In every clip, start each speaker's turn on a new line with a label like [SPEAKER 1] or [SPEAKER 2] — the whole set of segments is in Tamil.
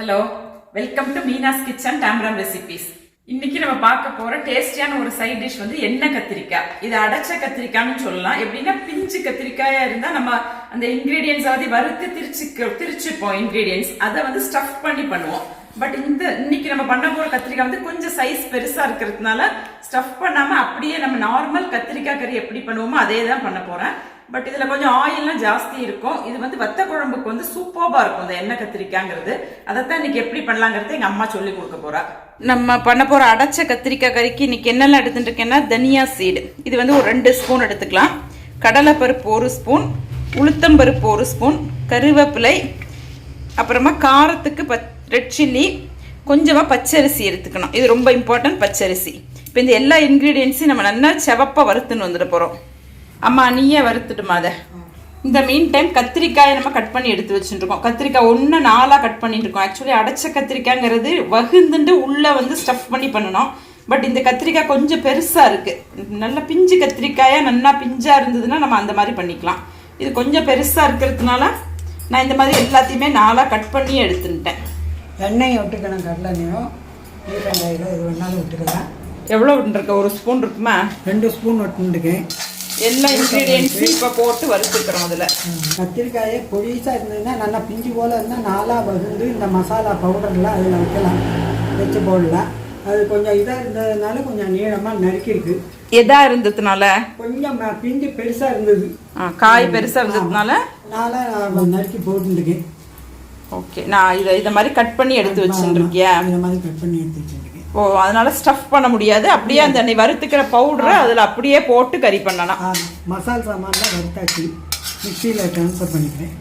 [SPEAKER 1] Hello, welcome to Meena's kitchen டாம்ரம் ரெசிபீஸ். இன்னைக்கு நம்ம பார்க்க போற டேஸ்டியான ஒரு சைட் டிஷ் வந்து எண்ணெய் கத்திரிக்காய். இது அடைச்ச கத்திரிக்காய்னு சொல்லலாம். எப்படின்னா பிஞ்சு கத்திரிக்காயா இருந்தா நம்ம அந்த இன்கிரீடியன்ஸ் வறுத்து திரிச்சுப்போம். இன்கிரீடியன்ஸ் அதை வந்து ஸ்டஃப் பண்ணி பண்ணுவோம். பட் இன்னைக்கு நம்ம பண்ண போற கத்திரிக்காய் வந்து கொஞ்சம் சைஸ் பெருசா இருக்கிறதுனால ஸ்டஃப் பண்ணாம அப்படியே நம்ம நார்மல் கத்திரிக்காய் கறி எப்படி பண்ணுவோமோ அதே தான் பண்ண போறேன். பட் இதுல கொஞ்சம் ஆயில்லாம் ஜாஸ்தி இருக்கும். இது வந்து வத்த குழம்புக்கு வந்து சூப்பர்பா இருக்கும் இந்த எண்ணெய் கத்திரிக்காய்ங்கிறது. அதைத்தான் இன்னைக்கு எப்படி பண்ணலாங்கிறது எங்க அம்மா சொல்லி கொடுக்க போறா. நம்ம பண்ண போற அடைச்ச கத்திரிக்காய் கறிக்கு இன்னைக்கு என்னெல்லாம் எடுத்துட்டு இருக்கேன்னா, தனியா சீடு இது வந்து ஒரு 2 ஸ்பூன் எடுத்துக்கலாம், கடலை பருப்பு 1 ஸ்பூன், உளுத்தம் பருப்பு 1 ஸ்பூன், கருவேப்பிலை, அப்புறமா காரத்துக்கு ரெட் சில்லி, கொஞ்சமா பச்சரிசி எடுத்துக்கணும். இது ரொம்ப இம்பார்ட்டன்ட், பச்சரிசி. இப்போ இந்த எல்லா இன்கிரீடியன்ஸையும் நம்ம நல்லா செவப்பா வறுத்துன்னு வந்துட போறோம். அம்மா நீயே வறுத்துட்டுமா அதை. இந்த மீன் டைம் கத்திரிக்காயை நம்ம கட் பண்ணி எடுத்து வச்சுருக்கோம். கத்திரிக்காய் 1 4 கட் பண்ணிட்டு இருக்கோம். ஆக்சுவலி அடைச்ச கத்திரிக்காய்ங்கிறது வகுந்துட்டு உள்ள வந்து ஸ்டஃப் பண்ணி பண்ணணும். பட் இந்த கத்திரிக்காய் கொஞ்சம் பெருசா இருக்கு. நல்ல பிஞ்சு கத்திரிக்காயா நல்லா பிஞ்சா இருந்ததுன்னா நம்ம அந்த மாதிரி பண்ணிக்கலாம். இது கொஞ்சம் பெருசா இருக்கிறதுனால நான் இந்த மாதிரி எல்லாத்தையுமே 4 கட் பண்ணி எடுத்துட்டேன்.
[SPEAKER 2] எண்ணெயை விட்டுக்கணும், கடலெண்ணெயும் வெங்காயம் இது வேணாலும் விட்டுக்கலாம்.
[SPEAKER 1] எவ்வளோ விட்டுருக்க? 1 ஸ்பூன் இருக்குமா?
[SPEAKER 2] 2 ஸ்பூன் விட்டுருக்கேன்.
[SPEAKER 1] எல்லா இன்க்ரீடியன்ஸும் இப்போ போட்டு வறுத்துக்கிறோம். அதில்
[SPEAKER 2] கத்திரிக்காயை பொடிசாக இருந்ததுன்னா நல்லா பிஞ்சு போல் இருந்தால் 4 வகுந்து இந்த மசாலா பவுடர்லாம் அதில் வைக்கலாம், வச்சு போடலாம். அது கொஞ்சம் இதாக இருந்ததுனால கொஞ்சம் நீளமாக நறுக்கிருக்கு.
[SPEAKER 1] எதாக இருந்ததுனால
[SPEAKER 2] கொஞ்சம் பிஞ்சு பெருசாக இருந்தது,
[SPEAKER 1] காய் பெருசாக இருந்ததுனால
[SPEAKER 2] 4 நறுக்கி போட்டுருக்கேன்.
[SPEAKER 1] ஓகே, நான் இதை மாதிரி கட் பண்ணி எடுத்து வச்சுருக்கியா?
[SPEAKER 2] இந்த மாதிரி கட் பண்ணி எடுத்து வச்சுருக்கேன்.
[SPEAKER 1] ஓ, அதனால ஸ்டஃப் பண்ண முடியாது. அப்படியே அந்த வறுத்துக்கிற பவுடரை அதில் அப்படியே போட்டு கறி பண்ணலாம்.
[SPEAKER 2] மசால் சாமான்லாம் வறுத்தாச்சு மிக்சியில் ட்ரான்ஸ்ஃபர் பண்ணிக்கிறேன்.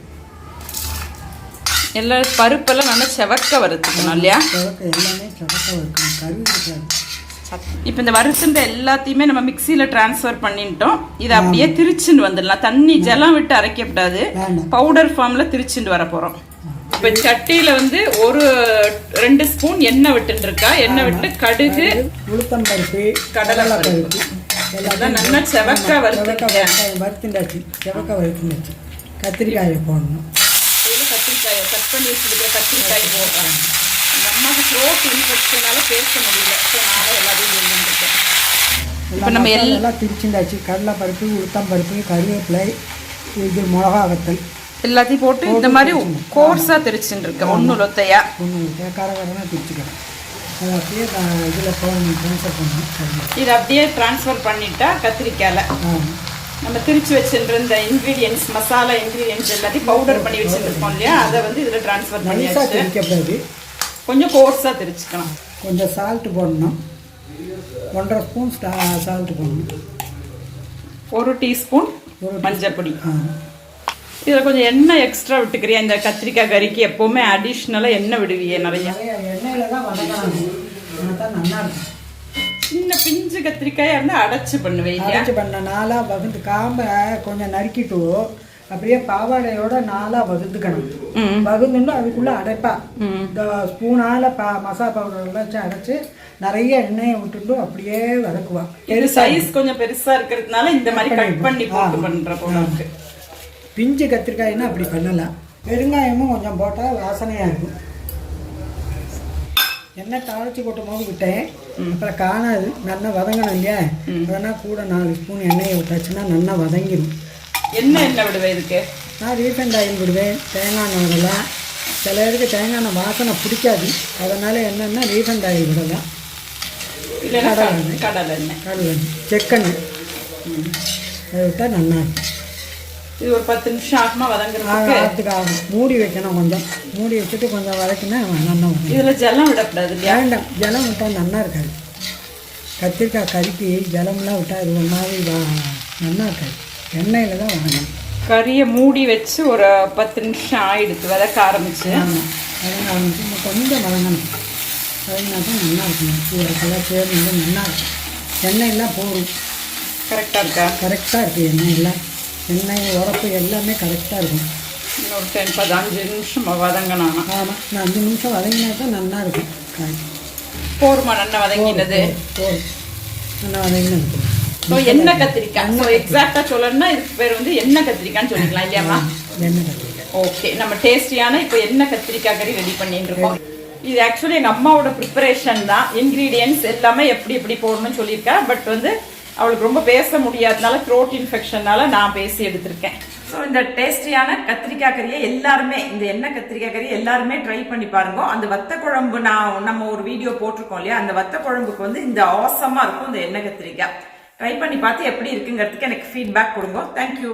[SPEAKER 1] எல்லா பருப்பெல்லாம் நல்லா செவக்க வறுத்துக்கணும் இல்லையா?
[SPEAKER 2] எல்லாமே செவக்க வறுக்கணும், கறி இருக்காது.
[SPEAKER 1] இப்போ இந்த வறுத்துன்ற எல்லாத்தையுமே நம்ம மிக்சியில் ட்ரான்ஸ்ஃபர் பண்ணிட்டோம். இதை அப்படியே திரிச்சுன்னு வந்துடலாம். தண்ணி ஜலம் விட்டு அரைக்கப்படாது, பவுடர் ஃபார்மில் திரிச்சுட்டு வர போகிறோம். இப்போ சட்டியில் வந்து 2 ஸ்பூன் எண்ணெய் விட்டுருக்கா. எண்ணெய் விட்டு கடுகு,
[SPEAKER 2] உளுத்தம் பருப்பு,
[SPEAKER 1] கடலை பருப்பு எல்லாம் நல்லா செவக்க
[SPEAKER 2] வறுத்துண்டாச்சு. செவக்க வறுத்துண்டாச்சு. கத்திரிக்காயை போடணும்.
[SPEAKER 1] கத்திரிக்காயை கட் பண்ணி வச்சுருக்கிற கத்திரிக்காய் போடுறாங்க. எங்கள் அம்மாவுக்கு த்ரோட் இன்ஃபெக்ஷனால பேச முடியல, ஸோ நான் எல்லாத்தையும் எழுதிருக்கேன். இப்போ நம்ம எல்லாம்
[SPEAKER 2] திரிச்சுண்டாச்சு. கடலை பருப்பு, உளுத்தம் பருப்பு, கருவேப்பிலை, இது மிளகா வத்தல்
[SPEAKER 1] எல்லாத்தையும் போட்டு இந்த மாதிரி கோர்ஸாக திரிச்சுட்டு இருக்கேன். ஒன்று லொத்தையா
[SPEAKER 2] காரகாரமாக திரிச்சுக்கிறேன். அதை அப்படியே இதில் ட்ரான்ஸ்ஃபர் பண்ணணும்.
[SPEAKER 1] இதை அப்படியே ட்ரான்ஸ்ஃபர் பண்ணிட்டா கத்திரிக்காயில் நம்ம திரிச்சு வச்சுட்டு இந்த இன்க்ரீடியன்ஸ், மசாலா இன்க்ரீடியன்ஸ் எல்லாத்தையும் பவுடர் பண்ணி வச்சுருக்கோம் இல்லையா, அதை வந்து இதில் ட்ரான்ஸ்ஃபர் பண்ணி
[SPEAKER 2] திரிக்கப்படாது,
[SPEAKER 1] கொஞ்சம் கோர்ஸாக திரிச்சுக்கணும்.
[SPEAKER 2] கொஞ்சம் சால்ட்டு போடணும். 1.5 ஸ்பூன் சால்ட்டு போடணும்.
[SPEAKER 1] 1 டீஸ்பூன் மஞ்சள் பொடி. இதில் கொஞ்சம் எண்ணெய் எக்ஸ்ட்ரா விட்டுக்கிறியா? இந்த கத்திரிக்காய் கறிக்கு எப்போவுமே அடிஷ்னலாக எண்ணெய் விடுவியே நிறைய.
[SPEAKER 2] எண்ணெயில் தான் வதக்கணும், தான் நல்லா இருக்கும்.
[SPEAKER 1] சின்ன பிஞ்சு கத்திரிக்காயாக இருந்தால் அடைச்சி பண்ணுவேன்.
[SPEAKER 2] அடைச்சி பண்ண 4 வகுந்து காம்பை கொஞ்சம் நறுக்கிட்டு அப்படியே பாவாடையோட 4 வகுந்துக்கணும். வகுந்துன்னு அதுக்குள்ளே அடைப்பா இந்த ஸ்பூனால் மசாலா பவுடர்லாம் வச்சு அடைச்சி நிறைய எண்ணெயை விட்டுட்டு அப்படியே வதக்குவா.
[SPEAKER 1] சைஸ் கொஞ்சம் பெருசாக இருக்கிறதுனால இந்த மாதிரி கட் பண்ணி போட்டு பண்ணுற போல இருக்கு.
[SPEAKER 2] பிஞ்சு கத்திரிக்காய்னா அப்படி பண்ணலாம். பெருங்காயமும் கொஞ்சம் போட்டால் வாசனையாக இருக்கும். எண்ணெய் தாளிச்சு கொட்டும் போது விட்டேன், அப்புறம் காணாது. நல்லா வதங்கணும் இல்லையா, அதனால் கூட 4 ஸ்பூன் எண்ணெயை விட்டாச்சுன்னா நல்லா வதங்கிடும்.
[SPEAKER 1] என்ன விடுவேன் இதுக்கு?
[SPEAKER 2] நான் ரீஃபைண்ட் ஆயில் விடுவேன், தேங்காய் எண்ணெய் விடலாம். சில பேருக்கு தேங்காய் எண்ணெய் வாசனை பிடிக்காது, அதனால் என்னென்னா ரீஃபைண்ட் ஆயில் விடலாம். கடலை எண்ணெய், செக்கெண்ணெய் அதை விட்டால் நல்லா இருக்கும்.
[SPEAKER 1] இது ஒரு 10 நிமிஷம் ஆகுமா வதங்குறதுக்கு?
[SPEAKER 2] ஆகும். மூடி வைக்கணும், கொஞ்சம் மூடி வச்சுட்டு கொஞ்சம் வதக்கினா நல்லா வரும்.
[SPEAKER 1] இதில் ஜலம் விடக்கூடாது இல்லையா?
[SPEAKER 2] வேண்டாம், ஜலம் விட்டால் நல்லா இருக்காது. கத்திரிக்காய் கறிக்கு ஜலம்லாம் விட்டால் இது ஒரு மாதிரி நல்லா இருக்காது. எண்ணெயில் தான் வதங்கணும்.
[SPEAKER 1] கறியை மூடி வச்சு ஒரு 10 நிமிஷம் ஆகிடுது வதக்க ஆரம்பிச்சு.
[SPEAKER 2] ஆமாம், வதங்க ஆரம்பிச்சு கொஞ்சம் வதங்கணும். வதங்கினா தான் நல்லா இருக்கணும். இதெல்லாம் சேர்ந்து நல்லா இருக்கும். எண்ணெயெல்லாம் போகும்.
[SPEAKER 1] கரெக்டாக இருக்கா?
[SPEAKER 2] கரெக்டாக இருக்குது. எண்ணெய் உரப்பு எல்லாமே கரெக்டாக இருக்கும்.
[SPEAKER 1] ஒரு 10-15 நிமிஷம் வதங்கணும்.
[SPEAKER 2] ஆமாம், நான் 5 நிமிஷம் வதங்கினா தான் நல்லா இருக்கும். காய்
[SPEAKER 1] போருமா? நல்லா வதங்கினது
[SPEAKER 2] நல்லா வதங்கினது.
[SPEAKER 1] எண்ணெய் கத்திரிக்காய் எக்ஸாக்டாக சொல்லணும்னா இதுக்கு பேர் வந்து எண்ணெய் கத்திரிக்காய்ன்னு சொல்லிக்கலாம் இல்லையாம்மா?
[SPEAKER 2] எண்ணெய் கத்திரிக்காய்
[SPEAKER 1] ஓகே, நம்ம டேஸ்டியான இப்போ என்ன கத்திரிக்காய் கறி ரெடி பண்ணிட்டு இருக்கோம். இது ஆக்சுவலி எங்க அம்மாவோட ப்ரிப்பரேஷன் தான். இன்கிரீடியன்ஸ் எல்லாமே எப்படி எப்படி போடணும்னு சொல்லியிருக்கா. பட் வந்து அவளுக்கு ரொம்ப பேச முடியாதனால த்ரோட் இன்ஃபெக்ஷனால நான் பேசி எடுத்திருக்கேன். ஸோ இந்த டேஸ்டியான கத்திரிக்காய் கறியை எல்லாருமே, இந்த எண்ணெய் கத்திரிக்காய் கறி எல்லாருமே ட்ரை பண்ணி பாருங்க. அந்த வத்த குழம்பு நம்ம ஒரு வீடியோ போட்டிருக்கோம் இல்லையா, அந்த வத்த குழம்புக்கு வந்து இந்த ஆசமா இருக்கும் இந்த எண்ணெய் கத்திரிக்காய். ட்ரை பண்ணி பார்த்து எப்படி இருக்குங்கிறதுக்கு எனக்கு ஃபீட்பேக் கொடுங்க. தேங்க்யூ.